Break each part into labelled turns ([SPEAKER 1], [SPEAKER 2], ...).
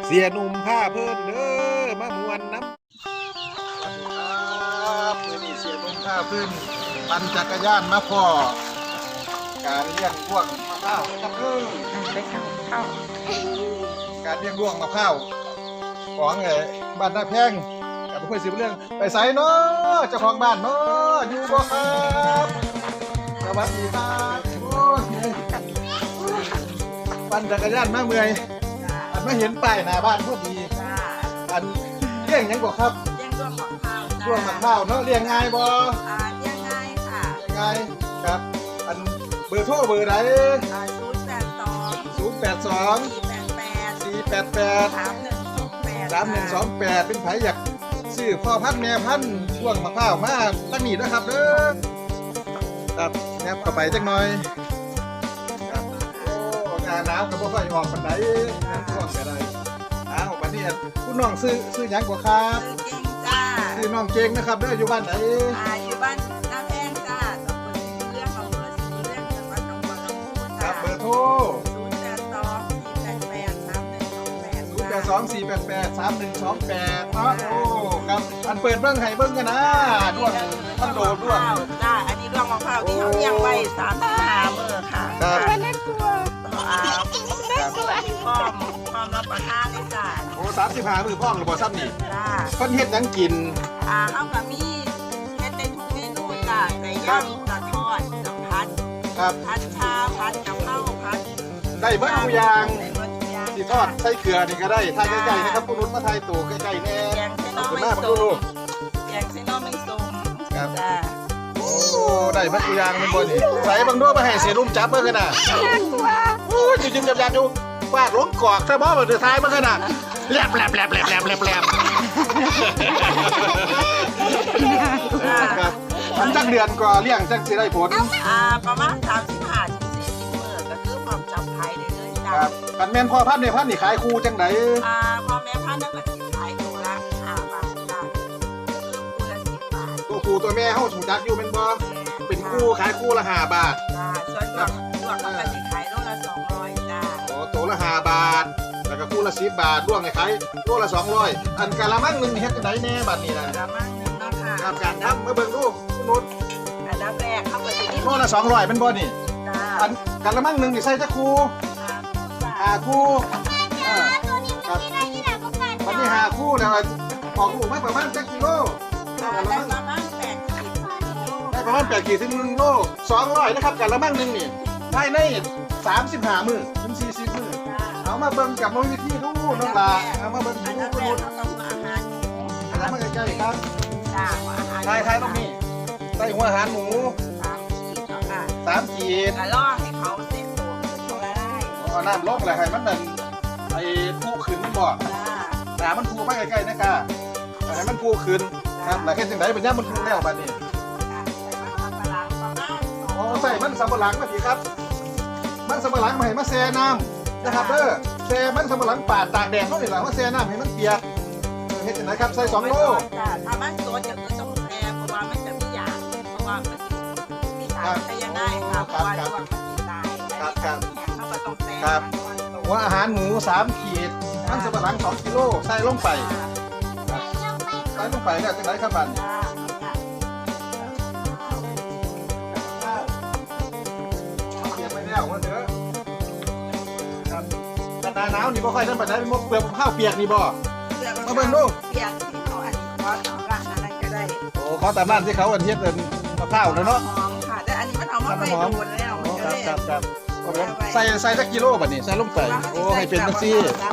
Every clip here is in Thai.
[SPEAKER 1] เสียหนุ่มผ้าเพิ่นเด้อมามวนน้ำสวัสดีครับเมื่อนี้เสียหนุ่มผ้าเพิ่นปั่นจักรยานมาพ่อการเลี้ยงด้วงมะพร้าวนะครับ
[SPEAKER 2] ไปเข้า
[SPEAKER 1] การเลี้ยงด้วงมะพร้าวของบ้านนาแพงกับเพื่อนสิบเรื่องไปไสเนาะเจ้าของบ้านเนาะอยู่บ่ครับสวัสดีครับโอ้ยปั่นจักรยานมาเมื่อยอันมาเห็นป้ายหน้าบ้านพอดีอันเลี้ยงหยังบ่ครับ
[SPEAKER 2] เลี้ยงด้วงมะพร้าว
[SPEAKER 1] ด้วงมะพร้าวเนาะเลี้ยงง่ายบ่
[SPEAKER 2] เลี้ยงง่ายค่ะ
[SPEAKER 1] เลี้ยงง่ายครับอันเบอร์โทรเบอร์ใด
[SPEAKER 2] 082
[SPEAKER 1] 488
[SPEAKER 2] 3128
[SPEAKER 1] เป็นไผอยากซื้อพ่อพันธุ์แม่พันธุ์ด้วงมะพร้าวมาตั้งนี้นะครับเด้อครับแนบเข้าไปจักหน่อยครับโอ้หน้าหนาวก็บ่ค่อยออกปานใดช่วงก็ได้อ้าวบัดนี้คุณน้องซื้อหยังกว่าครับ
[SPEAKER 2] ซื้อเก่งจ้า
[SPEAKER 1] ซื้อน้องเก่งนะครับเด้ออยู่บ้านไหน
[SPEAKER 2] อยู่บ้านนาแพงจ้าตำบลสีเรื่องอำเภอสีเรื่องจังหวัดหนองบัวลำพู
[SPEAKER 1] ค
[SPEAKER 2] จ้า
[SPEAKER 1] รับเบอร์โทร082 488 3128 โอ้ครับอันเปิดเบิ่งให้เบิ่งกันนะด้วงท่านโดดด้วง
[SPEAKER 2] จ้าอันนี้ด้วงมะพร้าวที่เขาเลี้ยงไว้35 มื้อค่ะ
[SPEAKER 1] ครับ
[SPEAKER 2] น่ากลัวพร้อมรับประทานได้จ้า
[SPEAKER 1] โอ้35 มื้อพ่องหรือบ่ซ้ำนี่
[SPEAKER 2] จ้า
[SPEAKER 1] เพิ่นเฮ็ดหยังกิน
[SPEAKER 2] เฮาก็มีเฮ็ดได้ทุกเมนูจ้าไก่ย่างจะทอดจะผัด
[SPEAKER 1] ครับ
[SPEAKER 2] ผัดชาผัดกะเพราผัด
[SPEAKER 1] ได้เบิดทุกอย่างสิทอดใส่เกลือนี่ก็ได้ถ่ายใกล้ๆนะครับผู้นุชมาถ่ายตู่ใกล้ๆแน่
[SPEAKER 2] ขอบคุณมากลูกแกงเส้นน้ำไม่ส้ม
[SPEAKER 1] ครับโอ้ได้เบิดทุกอย่างมันบ่นี่ใส่บางด้วยมาให้สิรุ่มจับเบิ่งกันน่ะโอ้ยจิ้มๆจับๆอยู่ฟาดลงกอกซะบ่บ่ได้ถ่ายเบิ่งกันน่ะแลบครับมันจักเดือนกว่าเลี้ยงจักสิได้ผล
[SPEAKER 2] ประมาณ35-40 มื้อก็คือพร้อมจับขายได้เลยจ้า
[SPEAKER 1] ครับกันแม่นพ่อพันธุ์ในพันธุ์นี่ขายคู่จังได๋
[SPEAKER 2] พ่อแม่พันธุ์นั่นก็สิขายตัวละ5 บาทจ้าคือคู่ละ10 บาท
[SPEAKER 1] ตัวคู่ตัวแม่เฮาถูกจักอยู่แม่นบ่เป็นคู่ขายคู่ละ5 บาท
[SPEAKER 2] ส่วนตัวก็สิขายโลละ200จ้า
[SPEAKER 1] โอ้ตัวละ5 บาทแล้วก็คู่ละ10 บาทด้วงให้ขายโลละ200อันกะละมังนึงเฮ็ดจังได๋แน่บัดนี้น่ะ
[SPEAKER 2] กะละมังนึงเนาะค่ะ
[SPEAKER 1] ครับการทำมาเบิ่งดูคุณนุช
[SPEAKER 2] อันดับแรกเฮาก็สิ
[SPEAKER 1] โลละ200แม่นบ่นี่อันกะละมังนึงนี่ใส่จักคู่คู่ครับวันนี้5คู่แล้วออกลูกมาประมาณจักกิโล
[SPEAKER 2] ได้ประมาณ
[SPEAKER 1] 8 ขีดถึง1 โล200นะครับกะละมังนึงนี่ภายใน35 มื้อถึง40 มื้อเอามาเบิ่งกับวิธีดูน้องลาเอามาเบิ่งดูคุณนุช
[SPEAKER 2] อาหาร
[SPEAKER 1] อาหารมาใกล้ๆครับ
[SPEAKER 2] อาหาร
[SPEAKER 1] ทายตรงนี้ใส่หัวอาหารหมู3 ขีด
[SPEAKER 2] ล่อให้เขาเซ็ตตัวเขาได้
[SPEAKER 1] เอาน้ำลงอะไรให้มันนั่นไอ้ผู้ขึ้นมันบ่มันผู้มาใกล้ๆนะกะให้มันผู้ขึ้นครับแล้วแค่จังได๋เป็นย่ามันผู้แล้วบัดนี้ใส่มันสำปะหลังมาสิครับมันสำปะหลังมาให้มาแช่น้ำนะครับเด้อแช่มันสำปะหลังปาดตากแดดเท่านี้แหละมาแช่น้ำให้มันเปียกเฮ็ดจังได๋ครับใส่2 โล
[SPEAKER 2] ถ้ามันตัวจะคือต้องแช่เพราะว่ามันจะมียาเพราะว่ามันมีสารพยาธิค่ะเพราะว่าช่วงมันสิตาย
[SPEAKER 1] ครับ
[SPEAKER 2] เขาก็ต้องแช่
[SPEAKER 1] ครับหัวอาหารหมู3 ขีดมันสำปะหลัง2 กิโลใส่ลงไปใส่ลงไปแล้วจังได๋ครับบัดนี้ว่าเถอะครับหน้าหนาวนี่บ่ค่อยนั่นปานใดเป็นเปลือกข้าวเปียกนี่บ่มาเบิ่งดู
[SPEAKER 2] เปียกที่เขาอันนี้ก็ตามร้านอะไรก็ได้
[SPEAKER 1] โอ้ขอตามร้านที่เขาอันเฮ็ดเป็นมะพร้าวเนาะ
[SPEAKER 2] หอมค่ะแต่อันนี้มันเอามาไปโดนแล้ว
[SPEAKER 1] ครับใส่สักกิโลบัดนี้ใส่ลงไปโอ้ให้เป็นจังซี่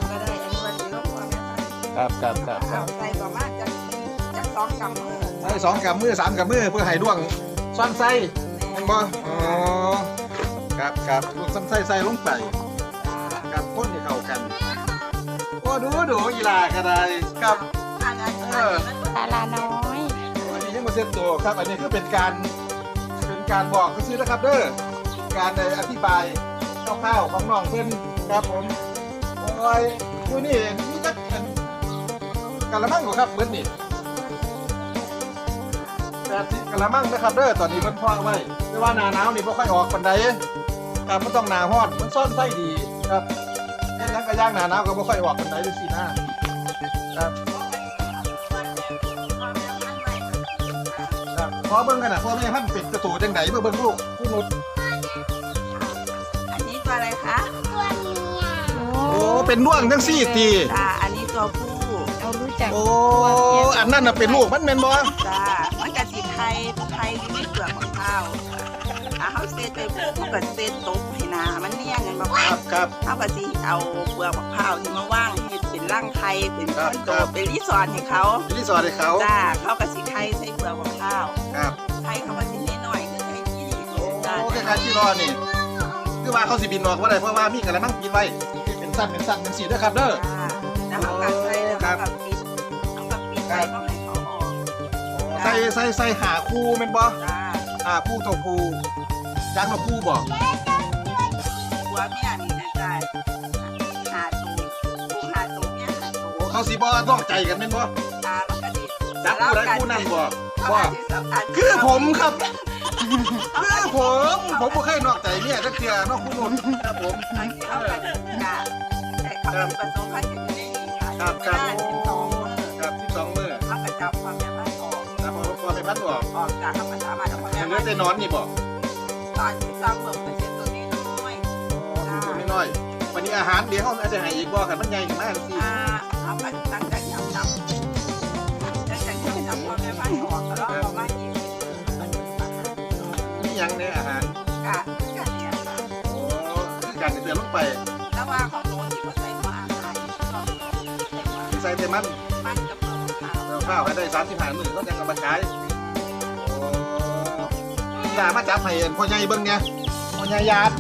[SPEAKER 1] ครับ
[SPEAKER 2] ใส่ประมาณจัก2 กำมือ
[SPEAKER 1] ใส่2 กำมือ3 กำมือเพื่อให้ด้วงซ่อนไส้แม่นบ่อ๋อครับลูกซ้ำใส่ลงไปกับพ่นให้เข้ากันโอ้ดูอีหลาก็ได้ครับ
[SPEAKER 2] ตาลาน้อย
[SPEAKER 1] อันนี้ยังมาเซ็ตตัวครับอันนี้คือเป็นการบอกซื้อนะครับเด้อการอธิบายคร่าวๆของน้องเพิ่นครับผมโอ้ยอยู่นี่มีจักกะละมังบ่ครับเบิดนี่80 กะละมังนะครับเด้อตอนนี้เพิ่นพอไว้แต่ว่าหน้าหนาวนี่บ่ค่อยออกปานใดครับมันต้องหน้าร้อนมันซ่อนไส้ดีครับยังกระย่างหนาหนาวก็บ่ค่อยออกกันไหนดูสินะครับครับพอเบิ่งกันนะพ่อแม่พันธุ์เป็ดกระตูจังไหนเบิ่งลูกผู้นุช
[SPEAKER 2] อันนี้ตัวอะไรคะ
[SPEAKER 1] โอ้เป็นน่วงจังซี่ตี
[SPEAKER 2] จ้าอันนี้ตัวผู้
[SPEAKER 3] เรารู้จัก
[SPEAKER 1] โอ้อันนั้นน่ะเป็นลูกมันแม่นบ่
[SPEAKER 2] จ้ามันกะสิไทยที่ไม่เปลือกของข้าวเขาเซตไปผู้กับเซตตกให้นามันเนี่ยเงินบอก
[SPEAKER 1] ครับครับ
[SPEAKER 2] เขาก็สิเอาเปลือกมะพร้าวที่มาว่างให้เป็นร่างไข่เป็นคอนโดเป็นรีสอร์ทให้เขา
[SPEAKER 1] รีสอร์ทให้เขา
[SPEAKER 2] จ้าเขาก็สิไข่ใส่เปลือกมะพร้าว
[SPEAKER 1] ครับ
[SPEAKER 2] ไข่เขาก็สิน้อยๆคือไข่ที่ดี
[SPEAKER 1] โอ้
[SPEAKER 2] จ้า
[SPEAKER 1] คล้ายๆที่รอนี่คือว่าเขาสิบินออกบ่ได้เพราะว่ามีกระมังปิดไว้เป็นสั้นจังซี่เด้อครับเด้อ
[SPEAKER 2] จ้าแล้วเขาก็ใส่แล้วเขาก็ปิดไว้ก็ให้เขาออก
[SPEAKER 1] ใส่หาคู่แม่นบ่
[SPEAKER 2] จ้า
[SPEAKER 1] หาคู่ตัวคู่จังมาคู่บ่
[SPEAKER 2] หัวเมียนี่นะจ้าหาตูผู้หาตูเนี่ยหาตู
[SPEAKER 1] โอ้เขาสิบ่ต้องใจกันแม่นบ่
[SPEAKER 2] ตามันก็ดี
[SPEAKER 1] จักคู่ใดคู่นั้นบ่
[SPEAKER 2] เขา
[SPEAKER 1] บ่
[SPEAKER 2] ก็สิสัมผัส
[SPEAKER 1] คือผมครับคือผมบ่เคยนอกใจเมียจักเทื่อนอกคู่นุ่นครับผม
[SPEAKER 2] บางทีเขาก็จะแต่เขาเป็นประสบการณ์ที่ดีค่ะ
[SPEAKER 1] ครับ
[SPEAKER 2] เว
[SPEAKER 1] ครับ
[SPEAKER 2] ลาที่สอง
[SPEAKER 1] ครับ12มื้อ
[SPEAKER 2] เขาก็จับความแม่บ้านออก
[SPEAKER 1] ครับพอไปพัดออก
[SPEAKER 2] ออกจากธรรมชาติมาแล้วความ
[SPEAKER 1] เห
[SPEAKER 2] แม่
[SPEAKER 1] ลื
[SPEAKER 2] บ้า
[SPEAKER 1] อน แต่นอนนี่บ่
[SPEAKER 2] ตอนที่สองเบิกเป็นเส้นตัวนี้น้อย
[SPEAKER 1] คือตัวน้อยๆวันนี้อาหารเดี๋ยวเขาอาจจะให้อีกบ่คันมันใหญ่ขึ้นมาจังซี่
[SPEAKER 2] เขาก็ตั้งใจจับความแม่บ้านออกแล้วก็ประมาณ20มันเป็นอาหาร
[SPEAKER 1] มีหยังในอาหาร
[SPEAKER 2] กะเนี่ยค่ะ
[SPEAKER 1] โอ้คือการเตือนลงไป
[SPEAKER 2] แล้วว่าของโน้นที่เขาใส่หัวอาหารก็ใส่หัว
[SPEAKER 1] ใส่แต่มัน
[SPEAKER 2] มันกับเปลือกขาว
[SPEAKER 1] เอาข้าวให้ได้35มื้อก็ยังเอามาขายโอ้ด่ามาจับให้พ่อใหญ่เบิ่งเนี่ยพ่อใหญ่ญาติ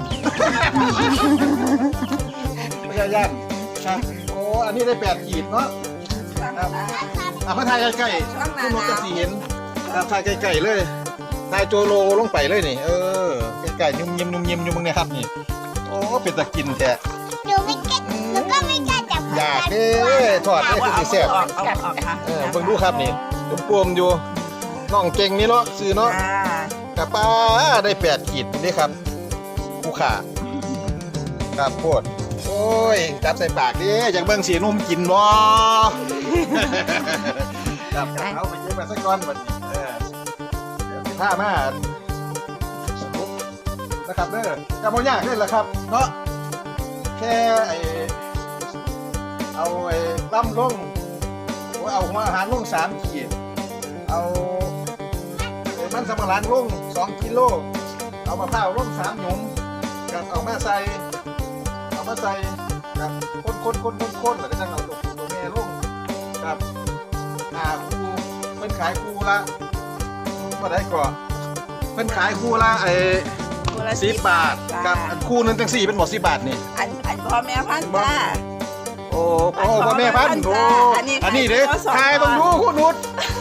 [SPEAKER 1] พ่อใหญ่ญาติครับโอ้อันนี้ได้8ขีดเนาะ ครับ มาถ่ายใกล้ๆคุณนกจะสีเห็นครับถ่ายใกล้ๆเลยถ่ายโจโลลงไปเลยนี่ใกล้ๆยุ่มยิ้มอยู่มึงเนี่ยครับนี่โอ้เป็นตะกินแท้
[SPEAKER 3] หนูไม่กล้าหนูก็ไม่กล้าจับ
[SPEAKER 1] อยากเด้ทอดได้คือสิแซ่บ
[SPEAKER 2] ออกค่ะ
[SPEAKER 1] เบิ่งดูครับนี่ปวมๆอยู่น้องเก่งนี่เนาะซื้อเนาะกะป้าได้8ขีดนี่ครับผู้ขาครับโคตรโอ้ยจับใส่ปากดิอยากเบิ่งสีนุ่มกินบ่ ครับเอาไปเก็บมาสักก้อนบัดนี้เดี๋ยวสิพามาสรุปนะครับเด้อกำบ่ยากเด้อล่ะครับเนาะแค่เอาล่ำลงเอาหัวอาหารลง3ขีดเอามันสำปะหลังลง2กิโลเอามะพร้าวลง3หยุมกับเอามาใส่ครับคนแล้วก็จังเอาตัวแม่ลงครับคูเพิ่นขายคูละบ่ได้ก่อเพิ่นขายคูละ10 บาทกับคูนึงจัง4เป็นบ่10 บาทนี่
[SPEAKER 2] อันพ่อแม่พันธุ์จ้า
[SPEAKER 1] โอ้พ่อแม่พันธุ์โอ้อันนี้เด้ขายต้องดูคุณนุช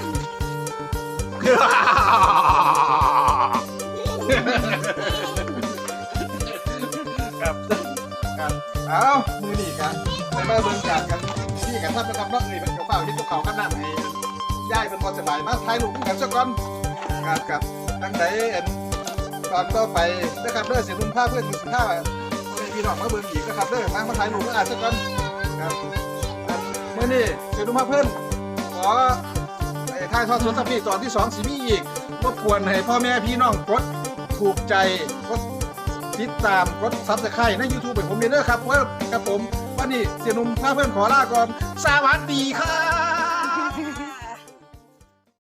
[SPEAKER 1] ครับเอามือนี่กันไปมาเบิ่งกันที่กันท่านนะครับเนาะเป็นเก่าที่พวกเขากันนำให้ย่ายเป็นพอสบายมาถ่ายรูปกันสักก่อนครับตั้งใดตอนต่อไปนะครับเด้อเสียนุ่มผ้าเพื่อนอยู่15พี่น้องมาเบิ่งอีกนะครับเด้อมาถ่ายรูปกันสักก่อนครับมื้อนี้เสียนุ่มผ้าเพื่อนขอถ่ายทอดสดสัปดาห์ตอนที่2สิมีอีกรบกวนให้พ่อแม่พี่น้องกดถูกใจกดติดตามกดซับสไครต์ใน YouTube เป็นผมเด้อครับว่ากับผมวันนี้เสียนุ่มพาเพื่อนขอลาก่อนสวัสดีครับ